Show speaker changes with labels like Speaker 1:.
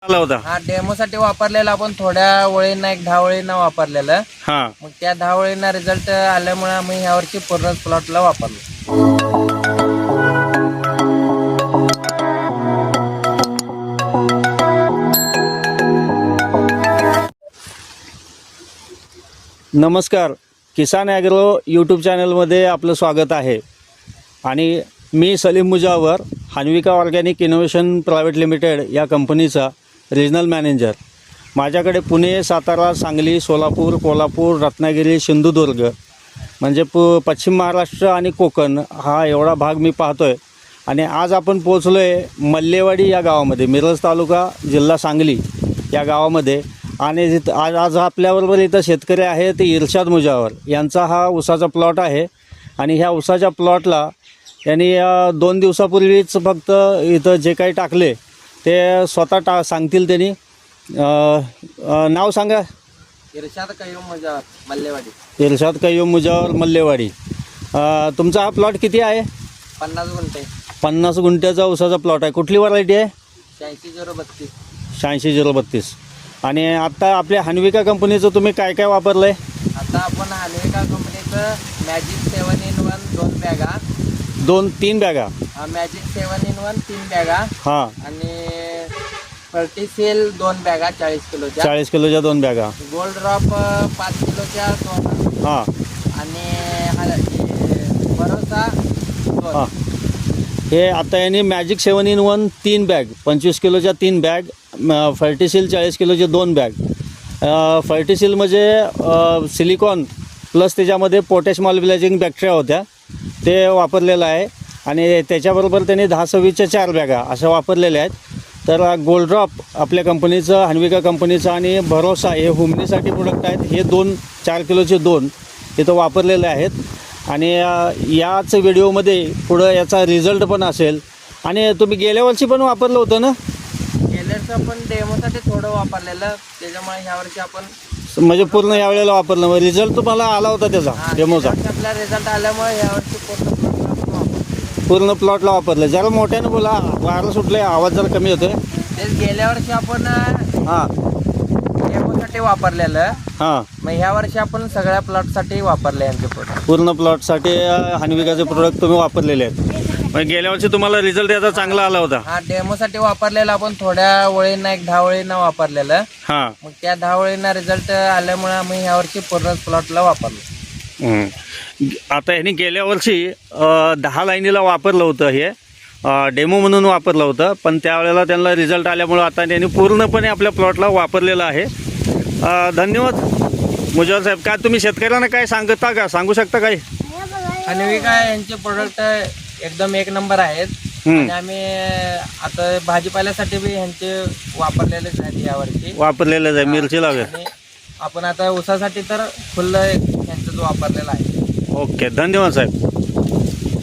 Speaker 1: आला होता.
Speaker 2: हा डेमोसाठी वापरलेला आपण थोड्या वळींना 10 वळींना वापरलेलं.
Speaker 1: हा
Speaker 2: मग त्या 10 वळींना रिझल्ट आल्यामुळे आम्ही यावर्षी पूर्ण प्लॉटला वापरलो.
Speaker 1: नमस्कार, किसान ॲग्रो यूट्यूब चॅनलमध्ये आपलं स्वागत आहे. आणि मी Salim Mujawar, Hanvika organic innovation private limited या कंपनीचा रिजनल मॅनेजर. माझ्याकडे पुणे, सातारा, सांगली, सोलापूर, कोल्हापूर, रत्नागिरी, सिंधुदुर्ग म्हणजे पश्चिम महाराष्ट्र आणि कोकण हा एवढा भाग मी पाहतो आहे. आणि आज आपण पोचलो आहे मल्लेवाडी या गावामध्ये, मिरज तालुका, जिल्हा सांगली या गावामध्ये. आणि आज आपल्याबरोबर इथं शेतकरी आहे ते इर्शाद मुजावर यांचा हा ऊसाचा प्लॉट आहे. आणि ह्या ऊसाच्या प्लॉटला यांनी 2 दिवसापूर्वीच फक्त इथं जे काही टाकले ते स्वतः सांगतील त्यांनी. नाव सांगा.
Speaker 2: इर्शाद कय्यूम मुजावर, मल्लेवाडी.
Speaker 1: इर्शाद कय्यूम मुजावर, मल्लेवाडी. तुमचा हा प्लॉट किती आहे?
Speaker 2: 50 गुंठे.
Speaker 1: 50 गुंठ्याचा ऊसाचा प्लॉट आहे. कुठली व्हरायटी आहे?
Speaker 2: 86-032.
Speaker 1: 86-032. आणि आत्ता आपल्या हान्विका कंपनीचं तुम्ही काय काय वापरलं आहे?
Speaker 2: आता आपण हान्विका कंपनीचं मॅजिक 7-in-1 2 बॅगा.
Speaker 1: 2-3 बॅगा.
Speaker 2: मॅजिक 7-in-1 3 बॅगा.
Speaker 1: हां.
Speaker 2: आणि फर्टिसेल 2 बॅगा 40 किलोच्या.
Speaker 1: 40 किलोच्या 2 बॅगा.
Speaker 2: गोल्ड ड्रॉप 5 किलोच्या 2.
Speaker 1: हां.
Speaker 2: आणि भरोसा 2.
Speaker 1: हां. हे आता यांनी मॅजिक 7-in-1 3 बॅग, 25 किलोच्या 3 बॅग. फर्टिसिल 40 किलोचे 2 बॅग. फर्टिसिल म्हणजे सिलिकॉन प्लस त्याच्यामध्ये पोटॅश मॉलिब्लायझिंग बॅक्टेरिया होत्या, ते वापरलेलं आहे. आणि त्याच्याबरोबर त्यांनी 10-26च्या 4 बॅगा अशा वापरलेल्या आहेत. तर गोल्ड ड्रॉप आपल्या कंपनीचं, हान्विका कंपनीचं, आणि भरोसा हे हुमणीसाठी प्रोडक्ट आहेत. हे 4 किलोचे 2 इथं वापरलेले आहेत. आणि याच व्हिडिओमध्ये पुढं याचा रिझल्ट पण असेल. आणि तुम्ही गेल्या वर्षी पण वापरलं होतं ना?
Speaker 2: गेल्याचं आपण डेमोसाठी थोडं वापरलेलं, त्याच्यामुळे ह्यावर्षी आपण
Speaker 1: म्हणजे पूर्ण यावेळेला वापरलं. मग रिझल्ट तुम्हाला आला होता त्याचा डेमोचा?
Speaker 2: आपला रिझल्ट आल्यामुळे यावर्षी
Speaker 1: पूर्ण प्लॉटला वापरलं. जरा मोठ्यानं बोला, वारं सुटलं, आवाज जरा कमी होतोय.
Speaker 2: तेच गेल्या वर्षी आपण
Speaker 1: हां
Speaker 2: डेमोसाठी वापरलेलं.
Speaker 1: हां.
Speaker 2: मग ह्या वर्षी आपण सगळ्या प्लॉटसाठी वापरले यांचे प्रोडक्ट.
Speaker 1: पूर्ण प्लॉटसाठी हान्विकाचे प्रोडक्ट तुम्ही वापरलेले आहेत. मग गेल्या वर्षी तुम्हाला रिझल्ट याचा चांगला आला होता?
Speaker 2: हा डेमोसाठी वापरलेला आपण थोड्या वळींना 10 वळींना वापरलेलं.
Speaker 1: हां.
Speaker 2: मग त्या 10 वळींना रिझल्ट आल्यामुळे आम्ही यावर्षी पूर्ण प्लॉटला वापरलो.
Speaker 1: आता ह्यांनी गेल्या वर्षी 10 लाईनीला वापरलं होतं, हे डेमो म्हणून वापरलं होतं. पण त्यावेळेला त्यांना रिझल्ट आल्यामुळं आता त्यांनी पूर्णपणे आपल्या प्लॉटला वापरलेलं आहे. धन्यवाद मुजावर साहेब. काय तुम्ही शेतकऱ्यांना काय सांगू शकता काय?
Speaker 2: हान्विका यांचे प्रोडक्ट एकदम 1 नंबर आहेत. आणि आम्ही आता भाजीपाल्यासाठी बी ह्यांचे वापरलेलेच आहेत यावर्षी.
Speaker 1: वापरलेलंच आहे. मिरची लागेल.
Speaker 2: आणि आपण आता ऊसासाठी तर फुल ह्यांचं वापरलेलं आहे.
Speaker 1: ओके, धन्यवाद साहेब.